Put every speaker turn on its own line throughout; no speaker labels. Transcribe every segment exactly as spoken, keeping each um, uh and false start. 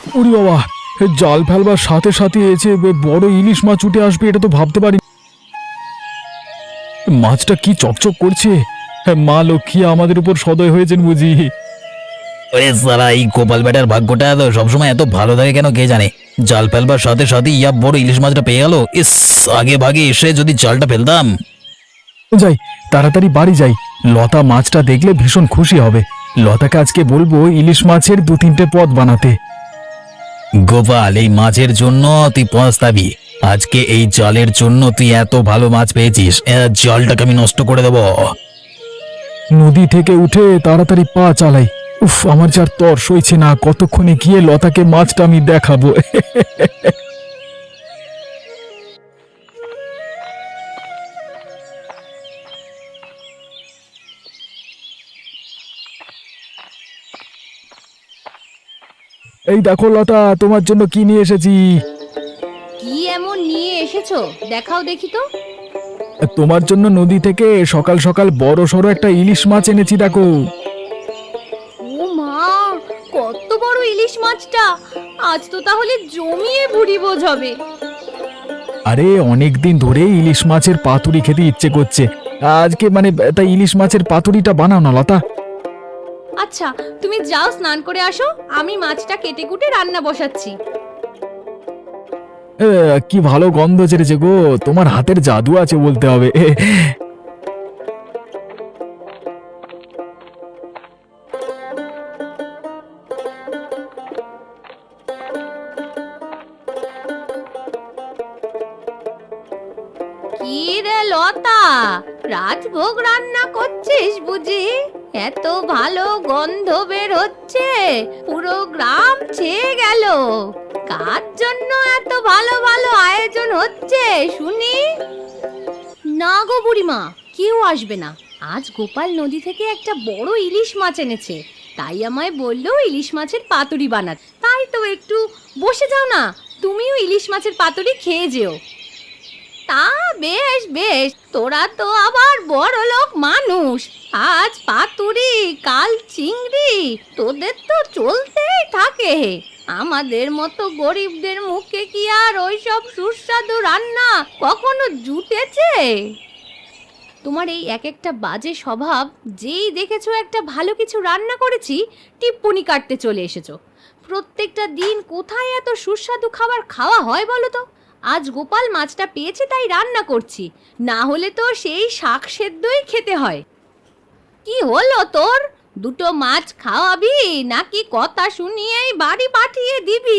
ওরে বাবা, জাল ফেলবার সাথে সাথে এসে বড় ইলিশ মাছ উঠে আসবে এটা তো ভাবতে পারি। মাছটা কি চকচক করছে। মা লক্ষ্মী আমাদের উপর সদয় হয়েছেন বুঝি।
ওরে সারা, এই গোপাল বেটার ভাগ্যটা তো সবসময় এত ভালো থাকে কেন কে জানে। জাল ফেলবার সাথে সাথে ইয়া বড় ইলিশ মাছটা পেয়ে গেল। ইস, আগে ভাগে এসে যদি জালটা ফেলতাম।
যাই, তাড়াতাড়ি বাড়ি যাই। লতা মাছটা দেখলে ভীষণ খুশি হবে। লতাকে আজকে বলবো ইলিশ মাছের দু তিনটে পদ বানাতে।
গোপাল, এই মাছের জন্য তুই পস্তাবি। আজকে এই জালের জন্য তুই এত ভালো মাছ পেয়েছিস, এ জালটাকে আমি নষ্ট করে দেব।
নদী থেকে উঠে তাড়াতাড়ি পা চালাই। উফ, আমার যার তর সইছে না। কতক্ষণে গিয়ে লতাকে মাছটা আমি দেখাবো। এই দেখো লতা, তোমার জন্য কি নিয়ে এসেছি।
কি এমন নিয়ে এসেছো দেখাও দেখি তো।
তোমার জন্য নদী থেকে সকাল সকাল বড় সড়ো একটা ইলিশ মাছ এনেছি, দেখো।
ও মা, কত বড় ইলিশ মাছটা! আজ তো তাহলে জমিয়ে ভুড়ি বোঝ হবে।
আরে অনেক দিন ধরে ইলিশ মাছের পাতুরি খেতে ইচ্ছে করছে। আজকে মানে তাই ইলিশ মাছের পাতুরিটা বানাও না লতা।
আচ্ছা, তুমি যাও স্নান করে আসো, আমি মাছটা কেটে কুটে রান্না বসাচ্ছি।
এ, কি ভালো গন্ধ ছেড়েছে গো। তোমার হাতের জাদু আছে বলতে হবে।
কি রে লতা, রাজভোগ রান্না করছিস বুঝি? এত ভালো গন্ধ বের হচ্ছে, পুরো গ্রাম ছেয়ে গেল। কার জন্য এত ভালো ভালো আয়োজন হচ্ছে শুনি? না গো বুড়িমা, কেউ আসবে না। আজ গোপাল নদী থেকে একটা বড় ইলিশ মাছ এনেছে, তাই আমায় বললো ইলিশ মাছের পাতুরি বানাতে। তাই তো একটু বসে যাও না, তুমিও ইলিশ মাছের পাতুরি খেয়ে যেও। তা বেশ বেশ, তোরা তো আবার বড় লোক মানুষ। আজ পাতুরি, কাল চিংড়ি, তোদের তো চলতেই থাকে। আমাদের মতো গরিবদের মুখে কি আর ওইসব সুস্বাদু রান্না কখনো জুটেছে? তোমার এই এক একটা বাজে স্বভাব, যেই দেখেছো একটা ভালো কিছু রান্না করেছি টিপ্পনি কাটতে চলে এসেছো। প্রত্যেকটা দিন কোথায় এত সুস্বাদু খাবার খাওয়া হয় বলো তো? আজ গোপাল মাছটা পেয়েছে তাই রান্না করছি, না হলে তো সেই শাক সেদ্ধই খেতে হয়। কি হলো তোর? দুটো মাছ খাওয়াবি নাকি কথা শুনিয়েই বাড়ি পাঠিয়ে দিবি?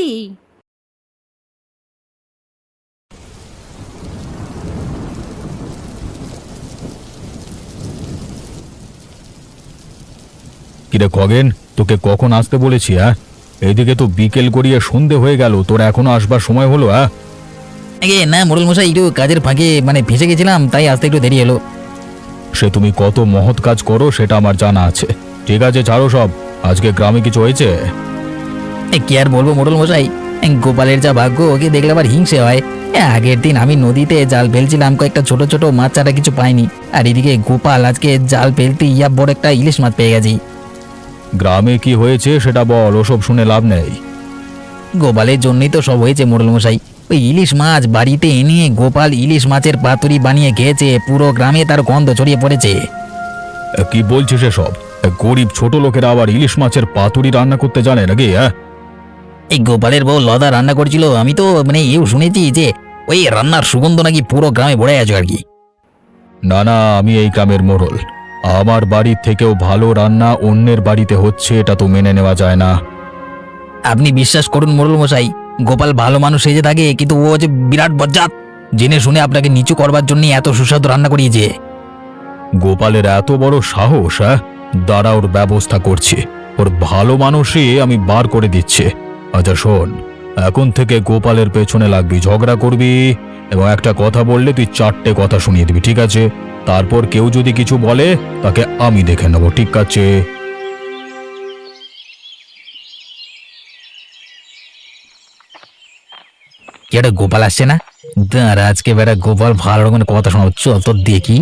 কিরে খগেন, তোকে কখন আসতে বলেছি? হ্যাঁ, এইদিকে তো বিকেল গড়িয়ে সন্ধে হয়ে গেল, তোর এখনো আসবার সময় হলো? হ্যাঁ
আগে না মোড়ল মশাই, একটু কাজের ফাঁকে মানে ফেঁসে গেছিলাম, তাই আসতে একটু দেরি এলো।
সে তুমি কত মহৎ কাজ করো সেটা আমার জানা আছে। ঠিক আছে, ছাড়ো সব। আজকে গ্রামে কিছু হয়েছে?
এ, কি আর বলবো মোড়ল মশাই, এ, গোপালের যা ভাগ্য, ওকে দেখলে আবার হিংসে হয়। এ, আগের দিন আমি নদীতে জাল ফেলছিলাম, কয়েকটা ছোট ছোট মাছ ছাড়া কিছু পাইনি, আর এদিকে গোপাল আজকে জাল ফেলতে ইয়া বড় একটা ইলিশ মাছ পেয়ে গেছি।
গ্রামে কি হয়েছে সেটা বল, ওসব শুনে লাভ নেই।
গোপালের জন্যই তো সব হয়েছে মোড়ল মশাই। ওই ইলিশ মাছ বাড়িতে এনে গোপাল ইলিশ মাছের পাতুরি বানিয়ে খেয়েছে, পুরো গ্রামে তার গন্ধ ছড়িয়ে পড়েছে।
এ, কি বলছিস এসব? এ, গরিব ছোট লোকেরা আবার ইলিশ মাছের পাতুরি রান্না করতে জানে নাকি? হ্যাঁ,
এই গোপালের বউ লদা রান্না করেছিল, আমি তো মানে এও শুনেছি যে ওই রান্নার সুগন্ধ নাকি পুরো গ্রামে ভরে আছে আর কি।
না না, আমি এই গ্রামের মোড়ল। আমার বাড়ির থেকেও ভালো রান্না অন্যের বাড়িতে হচ্ছে, এটা তো মেনে নেওয়া যায় না।
আপনি বিশ্বাস করুন মোড়ল মশাই, গোপাল ভালো মানুষ সেজে থাকে, কিন্তু ও যে বিরাট বজ্জাত। জেনে শুনে আপনাকে নিচু করবার জন্য এত সুস্বাদু রান্না করিয়েছে।
গোপালের এত বড় সাহস! হ্যাঁ, দাঁড়া, ওর ব্যবস্থা করছি। ওর ভালো মানুষই আমি বার করে দিচ্ছি। আচ্ছা শোন, এখন থেকে গোপালের পেছনে লাগবি, ঝগড়া করবি, এবং একটা কথা বললে তুই চারটে কথা শুনিয়ে দিবি, ঠিক আছে? তারপর কেউ যদি কিছু বলে তাকে আমি দেখে নেব, ঠিক আছে?
কি একটা গোপাল আসছে না? দাঁড়া, আজকে বেটা গোপাল ভালো রকমের কথা শোনাও, চল তো দেখি।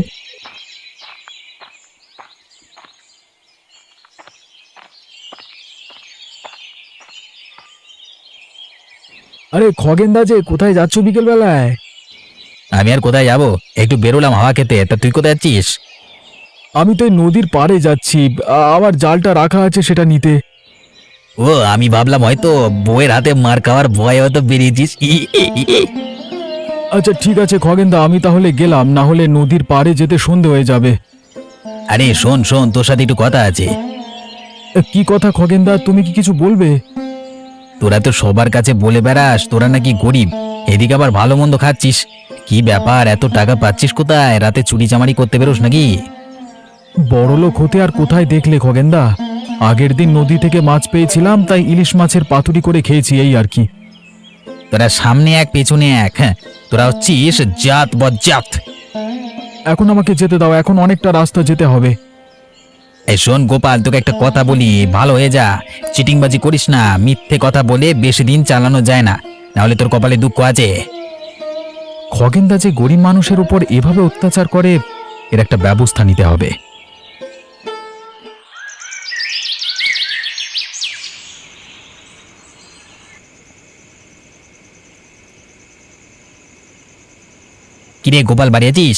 আরে খগেনদা যে কোথায় যাচ্ছ বিকেল বেলায়?
আমি আর কোথায় যাব, একটু বেরোলাম হাওয়া খেতে। তা তুই কোথায় যাচ্ছিস?
আমি তো এই নদীর পাড়ে যাচ্ছি, আ- আমার জালটা রাখা আছে সেটা নিতে।
ও, আমি ভাবলাম হয়তো বউয়ের হাতে মার খাওয়ার ভয় হয়তো বেরিয়েছিস। ই, ই, ই, ই।
আচ্ছা ঠিক আছে খগেনদা, আমি তাহলে গেলাম, না হলে নদীর পাড়ে যেতে সন্ধে হয়ে যাবে।
আরে শোন শোন, তোর সাথে একটু কথা আছে।
এ, কি কথা খগেনদা, তুমি কি কিছু বলবে?
তোরা তো সবার কাছে বলে বেড়াস তোরা নাকি গরিব, এদিকে আবার ভালো মন্দ খাচ্ছিস। কি ব্যাপার, এত টাকা পাচ্ছিস কোথায়? রাতে চুরি চামারি করতে বেরোস নাকি?
বড়লোক হতে আর কোথায় দেখলে খগেনদা, আগের দিন নদী থেকে মাছ পেয়েছিলাম, তাই ইলিশ মাছের পাতুরি করে খেয়েছি, এই আর কি।
তোরা সামনে এক পেছনে এক, হ্যাঁ তোরা হচ্ছিস জাত বজ্জাত।
এখন আমাকে যেতে দাও, এখন অনেকটা রাস্তা যেতে হবে।
এই শোন গোপাল, তোকে একটা কথা বলি, ভালো হয়ে যা। চিটিংবাজি করিস না, মিথ্যে কথা বলে বেশি দিন চালানো যায় না, নাহলে তোর কপালে দুঃখ আছে।
খগেনদা যে গরিব মানুষের উপর এভাবে অত্যাচার করে, এর একটা ব্যবস্থা নিতে হবে।
কিরে গোপাল, বাড়ি আছিস?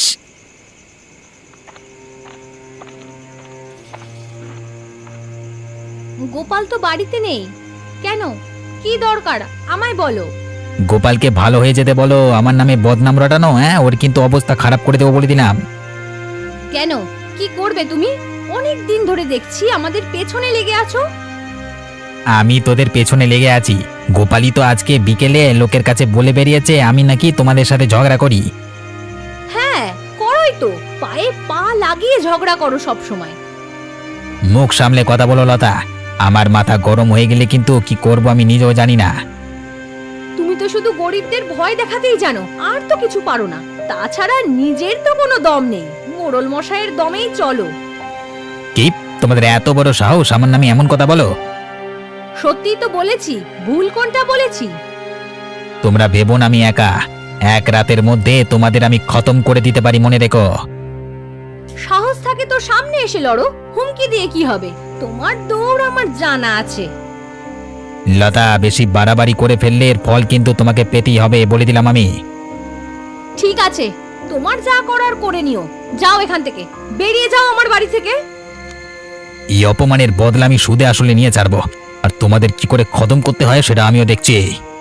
গোপাল তো বাড়িতে নেই। কেন, কি দরকার আমায় বলো।
গোপালকে ভালো হয়ে যেতে বলো, আমার নামে বদনাম রটানো, হ্যাঁ ওর কিন্তু অবস্থা খারাপ করে দেবো বলে দিলাম।
কেন, কি করবে তুমি? অনেক দিন ধরে দেখছি আমাদের পেছনে লেগে আছো।
আমি তোদের পেছনে লেগে আছি, গোপালই তো আজকে বিকেলে লোকের কাছে বলে বেরিয়েছে আমি নাকি তোমাদের সাথে ঝগড়া করি।
হ্যাঁ করোই তো, পায়ে পা লাগিয়ে ঝগড়া করো সব সময়।
মুখ সামলে কথা বলো লতা, আমার মাথা গরম হয়ে গেলে কিন্তু কি করব আমি নিজেও জানি না।
তুমি তো শুধু গরিবদের ভয় দেখাতেই জানো, আর তো কিছু পারো না। তাছাড়া নিজের তো কোনো দম নেই, মোড়ল মশাইয়ের দমেই চলো।
কি, তোমাদের এত বড় সাহস আমার নামে এমন কথা বলো?
সত্যিই তো বলেছি, ভুল কোনটা বলেছি?
তোমরা ভেবো না আমি একা, এক রাতের মধ্যে তোমাদের আমি খতম করে দিতে পারি, মনে রেখো।
সাহস থাকে তো সামনে এসে লড়ো, হুমকি দিয়ে কি হবে? তোমার দৌড় আমার জানা আছে।
লতা, বেশি বাড়াবাড়ি করে ফেললে এর ফল কিন্তু তোমাকে পেতেই হবে, বলে দিলাম আমি।
ঠিক আছে, তোমার যা করার করে নিও। যাও এখান থেকে, বেরিয়ে যাও আমার বাড়ি থেকে।
এই অপমানের বদলা আমি সুদে আসলে নিয়ে ছাড়বো, আর তোমাদের কি করে খতম করতে হয় সেটা আমিও দেখছি।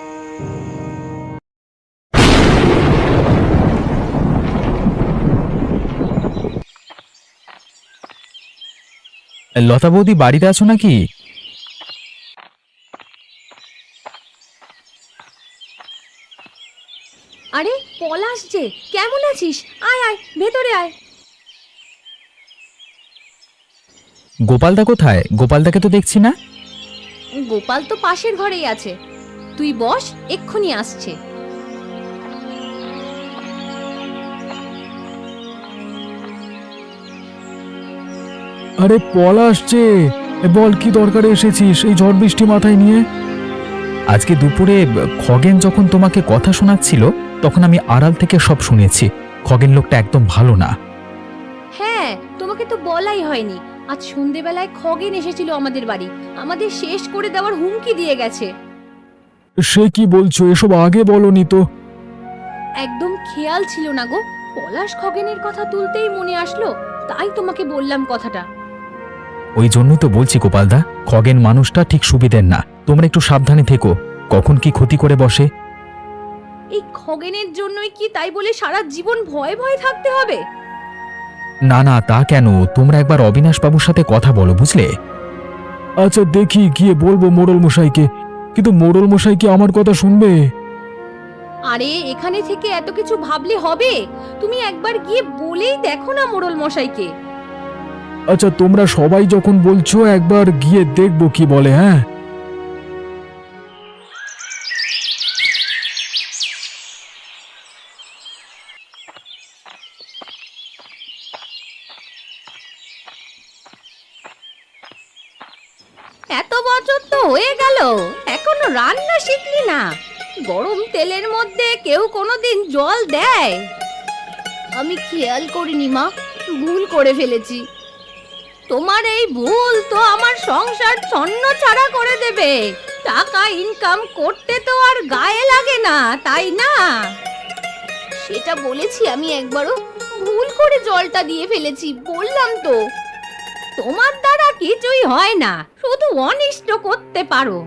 লতা বৌদি বাড়িতে আছো নাকি?
আরে পলাশ যে, কেমন আছিস? আয় আয়, ভেতরে আয়।
গোপালদা কোথায়? গোপালদাকে তো দেখছি না।
গোপাল তো পাশের ঘরেই আছে, তুই বস, এক্ষুনি আসছে।
আরে পলাশ যে, এ বল কি দরকারে এসেছিস এই ঝড় বৃষ্টি মাথায় নিয়ে? আজকে দুপুরে খগেন যখন তোমাকে কথা শোনাচ্ছিল, তখন আমি আড়াল থেকে সব শুনেছি। খগেন লোকটা একদম ভালো না।
হ্যাঁ, তোমাকে তো বলাই হয়নি, আজ সন্ধেবেলায় খগেন এসেছিল আমাদের বাড়ি, আমাদের শেষ করে দেওয়ার হুমকি দিয়ে গেছে।
সে কি বলছো? এসব আগে বলনি তো।
একদম খেয়াল ছিল না গো, পলাশ খগেনের কথা তুলতেই মনে আসলো, তাই তোমাকে বললাম কথাটা।
ওই জন্যই তো বলছি গোপালদা, খগেন মানুষটা ঠিক সুবিধের না, তোমরা একটু সাবধানে থেকো, কখন কি ক্ষতি করে বসে।
এই খগেনের জন্যই কি তাই বলে সারা জীবন ভয়ে ভয়ে থাকতে হবে?
না না, তা কেন, তোমরা একবার অবিনাশ বাবুর সাথে কথা বলো, বুঝলে? আচ্ছা দেখি, গিয়ে বলবো মোড়ল মশাইকে, কিন্তু মোড়ল মশাই কি আমার কথা শুনবে?
আরে এখানে থেকে এত কিছু ভাবলে হবে? তুমি একবার গিয়ে বলেই দেখো না মোড়ল মশাইকে।
আচ্ছা তোমরা সবাই যখন বলছো, একবার গিয়ে দেখবো কি বলে। হ্যাঁ,
এত বছর তো হয়ে গেল, এখনো রান্না শিখলি না? গরম তেলের মধ্যে কেউ কোনোদিন জল দেয়? আমি খেয়াল করিনি মা, ভুল করে ফেলেছি। তোমার এই ভুল তো আমার সংসার ছন্ন ছাড়া করে দেবে। টাকা ইনকাম করতে তো আর গায়ে লাগে না, তাই না? সেটা বলেছি আমি একবারও, ভুল করে জলটা দিয়ে ফেলেছি, বললাম তো। তোমার দ্বারা কিছুই হয় না, শুধু অনিষ্ট করতে পারো।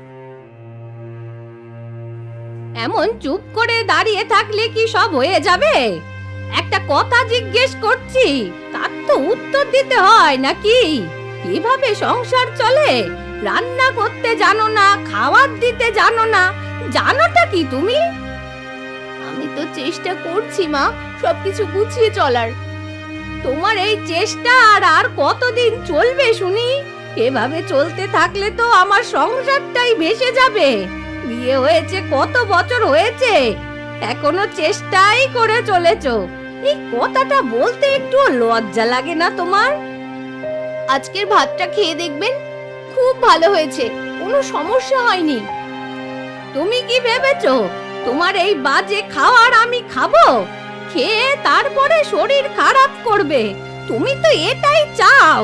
এমন চুপ করে দাঁড়িয়ে থাকলে কি সব হয়ে যাবে? একটা কথা জিজ্ঞেস করছি, তার তো উত্তর দিতে হয় নাকি? কিভাবে সংসার চলে? রান্না করতে জানো না, খাবার দিতে জানো না, জানোটা কি তুমি? আমি তো চেষ্টা করছি মা, সবকিছু গুছিয়ে চলার। তোমার এই চেষ্টা আর আর কতদিন চলবে শুনি? এভাবে চলতে থাকলে তো আমার সংসারটাই ভেসে যাবে। বিয়ে হয়েছে কত বছর হয়েছে, এখনো চেষ্টাই করে চলেছো। এই কথাটা বলতে একটু লজ্জা লাগে না তোমার? আজকের ভাতটা খেয়ে দেখবেন, খুব ভালো হয়েছে, কোনো সমস্যা হয়নি। তুমি কি ভেবেছো তোমার এই বাজে খাবার আমি খাবো? খেয়ে তারপরে শরীর খারাপ করবে, তুমি তো এটাই চাও।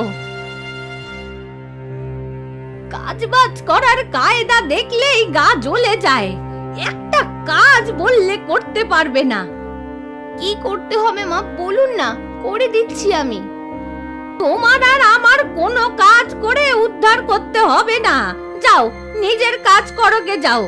কাজবাজ করার কায়দা দেখলেই গা জ্বলে যায়, একটা কাজ বললে করতে পারবে না। কি করতে হবে মা বলুন না, করে দিচ্ছি আমি। তোমার আর আমার কোনো কাজ করে উদ্ধার করতে হবে না, যাও নিজের কাজ করো গে, যাও।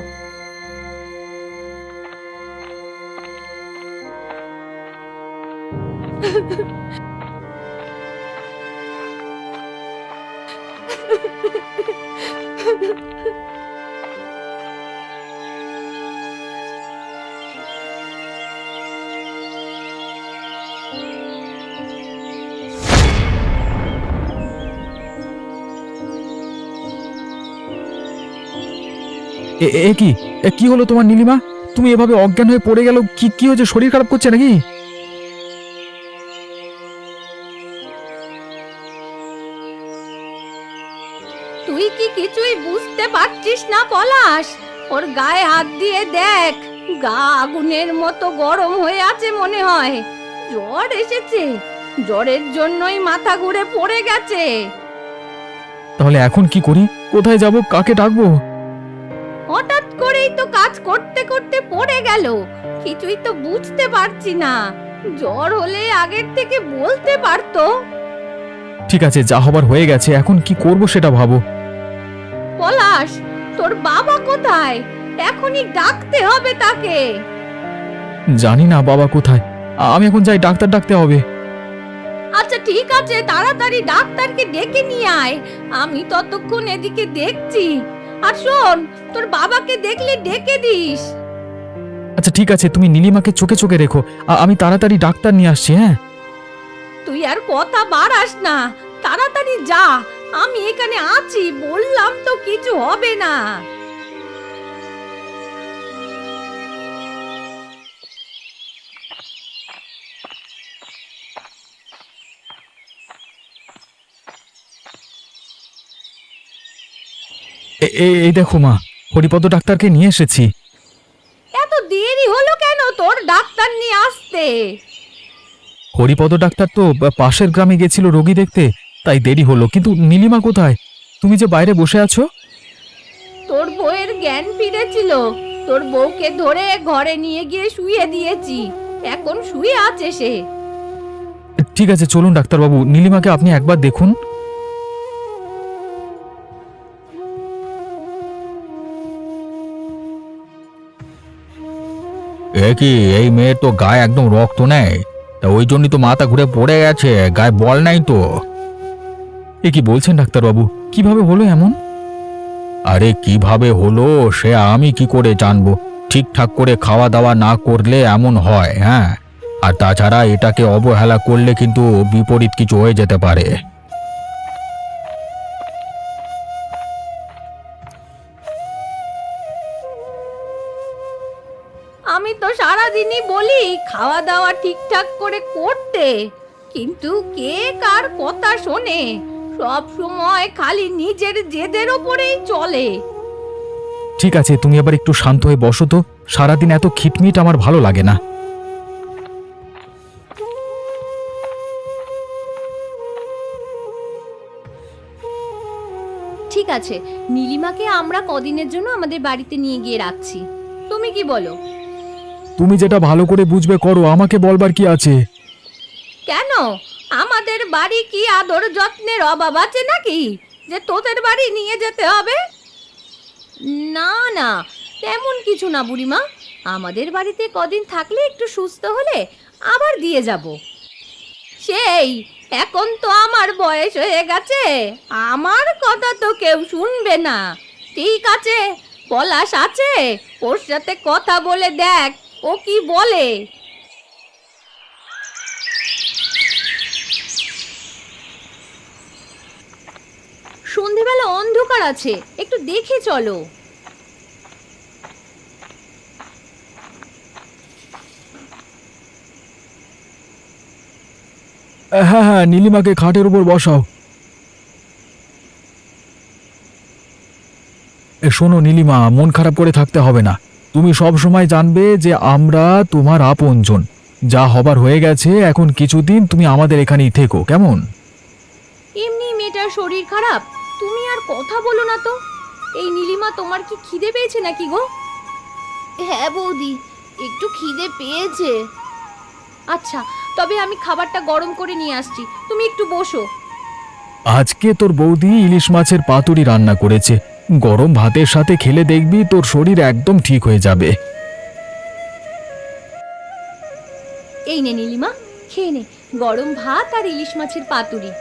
এ এ কি এ কি হলো তোমার নীলিমা? তুমি এভাবে অজ্ঞান হয়ে পড়ে গেল, কি কি হয়েছে? শরীর খারাপ করছে নাকি?
তুই কি কিছুই বুঝতে পারছিস না পলাশ? ওর গায়ে হাত দিয়ে দেখ, গা আগুনের মতো গরম হয়ে আছে মনে হয়। জ্বর এসেছে, জ্বরের জন্যই মাথা ঘুরে পড়ে গেছে।
তাহলে এখন কি করি? কোথায় যাব? কাকে ডাকবো?
হঠাৎ করেই তো কাজ করতে করতে পড়ে গেল, কিছুই তো বুঝতে পারছি না। জ্বর হলে আগের থেকে বলতে পারতো।
ঠিক আছে, যা হবার হয়ে গেছে, এখন কি করব সেটা ভাবো।
পলাশ, তোর বাবা কোথায়? এখনই ডাকতে হবে তাকে।
জানি না বাবা কোথায়, আমি এখন যাই, ডাক্তার ডাকতে হবে।
আচ্ছা ঠিক আছে, তাড়াতাড়ি ডাক্তারকে ডেকে নিয়ে আয়, আমি ততক্ষণ এদিকে দেখছি। আর শোন, তোর বাবাকে দেখলে ডেকে দিস।
আচ্ছা ঠিক আছে, তুমি নীলিমাকে চোখে চোখে রেখো, আ- আমি তাড়াতাড়ি ডাক্তার নিয়ে আসছি। হ্যাঁ,
তুই আর কথা বাড়াস না, তাড়াতাড়ি যা, আমি এখানে আছি, বললাম তো কিছু হবে না।
এ- এ- এই দেখো মা, হরিপদ ডাক্তারকে নিয়ে এসেছি।
এত দেরি হলো কেন তোর ডাক্তার নিয়ে আসতে?
হরিপদ ডাক্তার তো বা- পাশের গ্রামে গেছিল রোগী দেখতে, তাই দেরি হলো। কিন্তু নীলিমা কোথায়? তুমি যে বাইরে বসে আছো।
তোর বউয়ের জ্ঞান ফিরেছিল, তোর বউকে ধরে ঘরে নিয়ে গিয়ে শুয়ে দিয়েছি, এখন শুয়ে আছে সে।
ঠিক আছে, চলুন ডাক্তারবাবু, নীলিমাকে আপনি একবার দেখুন। এ কি, এই মেয়ের তো গায়ে একদম রক্ত নেই, তা ওই জন্যই তো মাথা ঘুরে পড়ে গেছে, গায়ে বল নাই তো। এ কি বলছেন ডাক্তারবাবু? কিভাবে হলো এমন? আরে কিভাবে হলো সে আমি কি করে জানবো? ঠিকঠাক করে খাওয়া দাওয়া না করলে এমন হয়। হ্যাঁ, আর তাছাড়া এটাকে অবহেলা করলে কিন্তু বিপরীত কিছু হয়ে যেতে পারে।
আমি তো সারাদিনই বলি খাওয়া দাওয়া ঠিকঠাক করে করতে, কিন্তু কে কার কথা শোনে? সব সময় খালি নিজের জেদের ওপরেই চলে।
ঠিক আছে, তুমি আবার একটু শান্ত হয়ে বসো তো, সারাদিন এত খিটমিট আমার ভালো লাগে না।
ঠিক আছে, নীলিমাকে আমরা কদিনের জন্য আমাদের বাড়িতে নিয়ে গিয়ে রাখছি। তুমি কি বলো?
তুমি যেটা ভালো করে বুঝবে করো, আমাকে বলবার কি আছে?
কেন, আমাদের বাড়ি কি আদর যত্নের অভাব আছে নাকি যে তোদের বাড়ি নিয়ে যেতে হবে? না না, তেমন কিছু না বুড়িমা। আমাদের বাড়িতে কদিন থাকলে একটু সুস্থ হলে আবার দিয়ে যাব। সেই এখন তো আমার বয়স হয়ে গেছে, আমার কথা তো কেউ শুনবে না। ঠিক আছে, পলাশ আছে, ওর সাথে কথা বলে দেখ ও কি বলে। সন্ধেবেলা অন্ধকার আছে, একটু দেখে চলো।
হ্যাঁ হ্যাঁ, নীলিমাকে খাটের উপর বসাও। এ শোনো নীলিমা, মন খারাপ করে থাকতে হবে না। তুমি সব সময় জানবে যে আমরা তোমার আপনজন। যা হবার হয়ে গেছে, এখন কিছুদিন তুমি আমাদের এখানেই থেকো, কেমন?
এমনি মেয়েটার শরীর খারাপ, তুমি আর কথা বলো না তো। এই নীলিমা, তোমার কি খিদে পেয়েছে নাকি গো? হ্যাঁ বৌদি, একটু খিদে পেয়েছে। আচ্ছা, তবে আমি খাবারটা গরম করে নিয়ে আসছি, তুমি একটু বসো।
আজকে তোর বৌদি ইলিশ মাছের পাতুরি রান্না করেছে, গরম ভাতের সাথে খেলে দেখবি তোর শরীর একদম ঠিক হয়ে যাবে।
এই নে নীলিমা, খেয়ে নে গরম ভাত আর ইলিশ মাছের পাতুরি।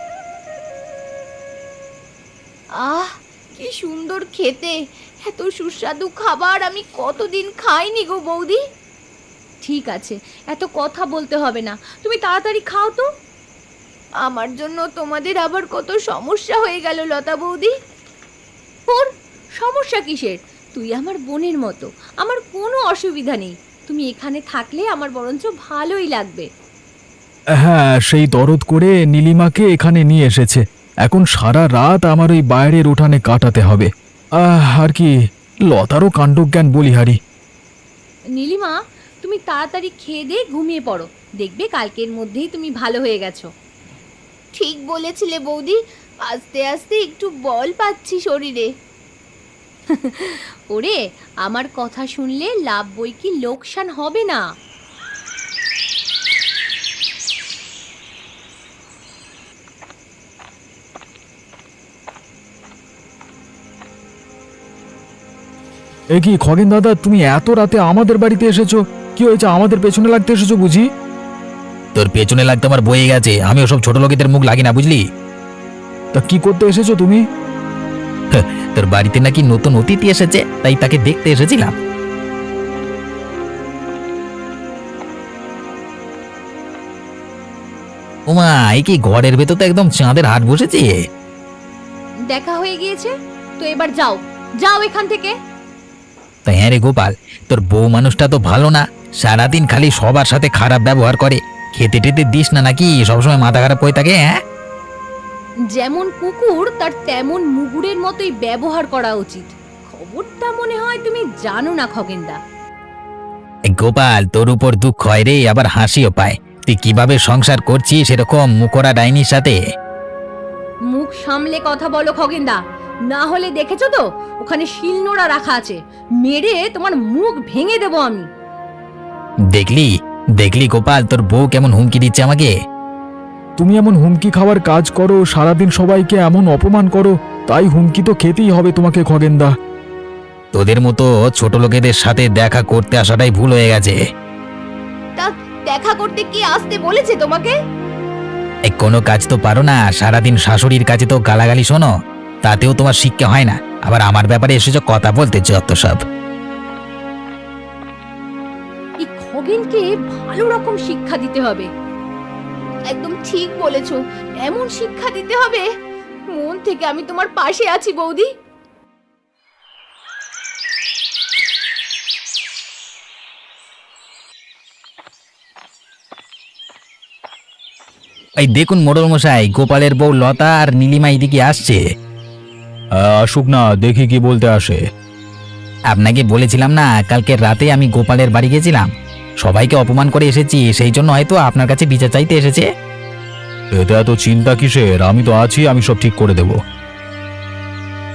আহ, কি সুন্দর খেতে! এত সুস্বাদু খাবার আমি কতদিন খাইনি গো বৌদি। ঠিক আছে, এত কথা বলতে হবে না, তুমি তাড়াতাড়ি খাও তো। আমার জন্য তোমাদের আবার কত সমস্যা হয়ে গেল লতা বৌদি। ওর সমস্যা কিসের? তুই আমার বোনের মতো, আমার কোনো অসুবিধা নেই। তুমি এখানে থাকলে আমার বরঞ্চ ভালোই লাগবে।
হ্যাঁ, সেই দরদ করে নীলিমাকে এখানে নিয়ে এসেছে। এখন সারা রাত আমার ওই বাইরের উঠানে কাটাতে হবে। আহ, আর কি, লতারও কাণ্ডজ্ঞান বলিহারি।
নীলিমা, তুমি তাড়াতাড়ি খেয়ে দিয়ে ঘুমিয়ে পড়ো, দেখবে কালকের মধ্যেই তুমি ভালো হয়ে গেছো। ঠিক বলেছিলে বৌদি, আস্তে আস্তে একটু বল পাচ্ছি শরীরে। ওরে, আমার কথা শুনলে লাভ বই কি লোকসান হবে না।
এ কি খগেন দাদা, তুমি এত রাতে আমাদের বাড়িতে এসেছো? কি হয়েছে, আমাদের পেছনে লাগতে এসেছো বুঝি?
তোর পেছনে লাগতে আমার বয়ে গেছে, আমি ওসব ছোট লোকেদের মুখ লাগি না, বুঝলি?
তা কি করতে এসেছো তুমি?
তোর বাড়িতে নাকি নতুন অতিথি এসেছে, তাই তাকে দেখতে এসেছিলাম। ওমা, এই কি ঘরের ভেতর তো একদম চাঁদের হাট বসেছে।
দেখা হয়ে গিয়েছে তো, এবার যাও যাও এখান থেকে।
তাই হ্যাঁ রে গোপাল, তোর বউ মানুষটা তো ভালো না, সারাদিন খালি সবার সাথে খারাপ ব্যবহার করে। খেতে টেতে দিস না নাকি, সবসময় মাথা খারাপ হয়ে থাকে? হ্যাঁ,
যেমন কুকুর তার তেমন মুগুরের মতোই ব্যবহার করা উচিত। খবরটা মনে হয় তুমি জানো না খগেনদা।
এই গোপাল, তোর উপর দুঃখ হয় রে, আবার হাসিও পায়। তুই কিভাবে সংসার করছিস এরকম মুখরা ডাইনির সাথে?
মুখ সামলে কথা বলো খগেনদা, না হলে দেখেছো তো ওখানে শিলনোড়া রাখা আছে, মেরে তোমার মুখ ভেঙে দেবো আমি।
দেখলি দেখলি গোপাল, তোর বউ কেমন হুমকি দিচ্ছে আমাকে।
তুমি এমন হুমকি খাওয়ার কাজ করো, সারাদিন সবাইকে এমন অপমান করো, তাই হুমকি তো খেতেই হবে তোমাকে খগেনদা।
তোদের মতো ছোট লোকেদের সাথে দেখা করতে আসাটাই ভুল হয়ে গেছে।
তা দেখা করতে কি আসতে বলেছে তোমাকে?
এই কোনো কাজ তো পারো না, সারাদিন শাশুড়ির কাছে তো গালাগালি শোনো, তাতেও তোমার শিক্ষা হয় না, আবার আমার ব্যাপারে এসেছো কথা বলতে যত সব।
এই খগেনকে ভালো রকম শিক্ষা দিতে হবে। একদম ঠিক বলেছো, এমন শিক্ষা দিতে হবে। মন থেকে আমি তোমার পাশে আছি বৌদি।
এই দেখুন মোড়ল মশাই, গোপালের বউ লতা আর নীলিমা এদিকে আসছে।
আসুক না, দেখি কি বলতে আসে।
আপনাকে বলেছিলাম না, কালকে রাতে আমি গোপালের বাড়ি গেছিলাম, সবাইকে অপমান করে এসেছি, সেই জন্য হয়তো আপনার কাছে বিচার চাইতে এসেছে।
এতে এত চিন্তা কিসের, আমি তো আছি, আমি সব ঠিক করে দেব।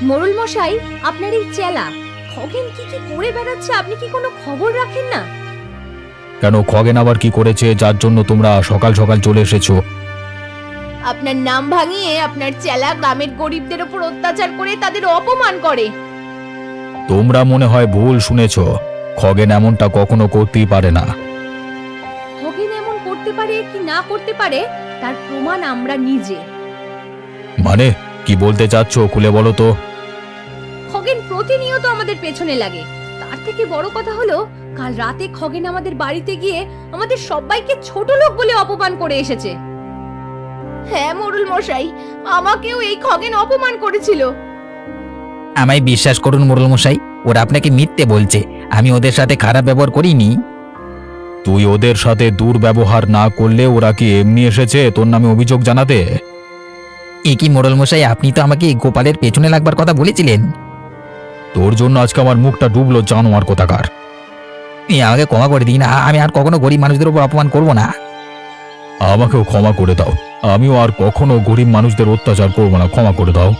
মোড়ল মশাই, আপনার এই চেলা খগেন কি কি করে বেড়াচ্ছে, আপনি কি কোনো খবর রাখেন না?
কেন, খগেন আবার কি করেছে যার জন্য তোমরা সকাল সকাল চলে এসেছো?
আপনার নাম ভাঙিয়ে আপনার চেলা গ্রামের গরিবদের উপর অত্যাচার করে তাদের অপমান করে।
তোমরা মনে হয় ভুল শুনেছ। খগেন এমনটা কখনো করতেই পারে না।
খগেন এমন করতে পারে কি না করতে পারে তার প্রমাণ আমরা নিজে।
মানে কি বলতে চাচ্ছ, খুলে বলো তো।
খগেন প্রতিনিয়ত আমাদের পেছনে লাগে। তার থেকে বড় কথা হলো, কাল রাতে খগেন আমাদের বাড়িতে গিয়ে আমাদের সবাইকে ছোট লোক বলে অপমান করে এসেছে। হ্যাঁ মোড়ল মশাই, আমাকেও এই খগেন অপমান করেছিল।
আমায় বিশ্বাস করুন মোড়ল মশাই, ওরা আপনাকে মিথ্যে বলছে। আমি ওদের সাথে খারাপ ব্যবহার করিনি।
তুই ওদের সাথে দুর্ব্যবহার না করলে ওরা কি এমনি এসেছে তোর নামে অভিযোগ জানাতে?
এ কি মোড়ল মশাই, আপনি তো আমাকে গোপালের পেছনে লাগবার কথা বলেছিলেন।
তোর জন্য আজকে আমার মুখটা ডুবলো জানোয়ার কোথাকার।
এ, আমাকে ক্ষমা করে দিন। আ- আমি আর কখনো গরিব মানুষদের উপর অপমান করব না।
আমাকেও ক্ষমা করে দাও, আমিও আর কখনো গরিব মানুষদের অত্যাচার করবো না, ক্ষমা করে দাও।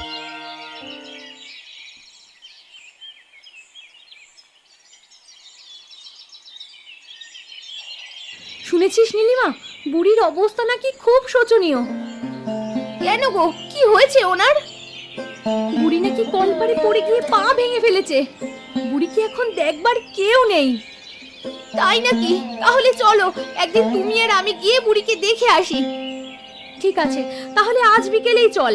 শুনেছিস নীলিমা, বুড়ির অবস্থা নাকি খুব শোচনীয়। কেন গো, কি হয়েছে ওনার? বুড়ি নাকি কলপারে পড়ে গিয়ে পা ভেঙে ফেলেছে। বুড়িকে এখন দেখবার কেউ নেই। তাই নাকি? তাহলে চলো একদিন তুমি আর আমি গিয়ে বুড়িকে দেখে আসি। ঠিক আছে, তাহলে আজ বিকেলেই চল।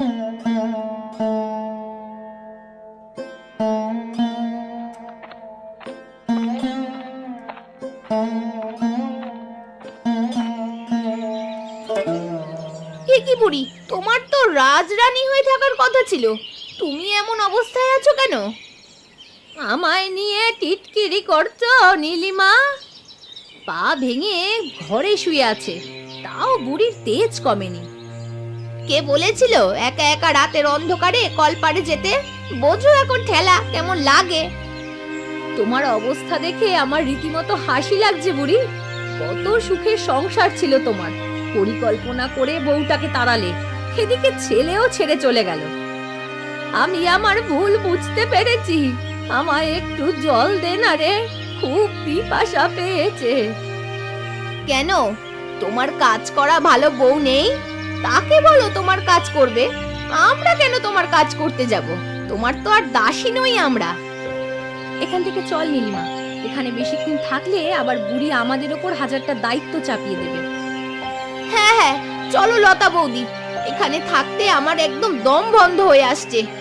এ কি বুড়ি, তোমার তো রাজরানী হয়ে থাকার কথা ছিল, তুমি এমন অবস্থায় আছো কেন? আমায় নিয়ে টিটকিরি করছো নীলিমা? পা ভেঙে ঘরে শুয়ে আছে, তাও বুড়ির তেজ কমেনি। কে বলেছিল একা একা রাতের অন্ধকারে কলপাড়ে যেতে? বোঝো এখন ঠেলা কেমন লাগে। তোমার অবস্থা দেখে আমার রীতিমতো হাসি লাগছে বুড়ি। কত সুখের সংসার ছিল তোমার, পরিকল্পনা করে বউটাকে তাড়ালে, এদিকে ছেলেও ছেড়ে চলে গেল। আমি আমার ভুল বুঝতে পেরেছি, আমায় একটু জল দে না রে, খুব পিপাসা পেয়েছে। কেন, তোমার কাজ করা ভালো বউ নেই? তাকে বলো তোমার কাজ করবে, আমরা কেন তোমার কাজ করতে যাব? তোমার তো আর দাসী নই আমরা। এখান থেকে চল নীলিমা, এখানে বেশিক্ষণ থাকলে আবার বুড়ি আমাদের ওপর হাজারটা দায়িত্ব চাপিয়ে দেবে। হ্যাঁ হ্যাঁ চলো লতা বৌদি, এখানে থাকতে আমার একদম দম বন্ধ হয়ে আসছে।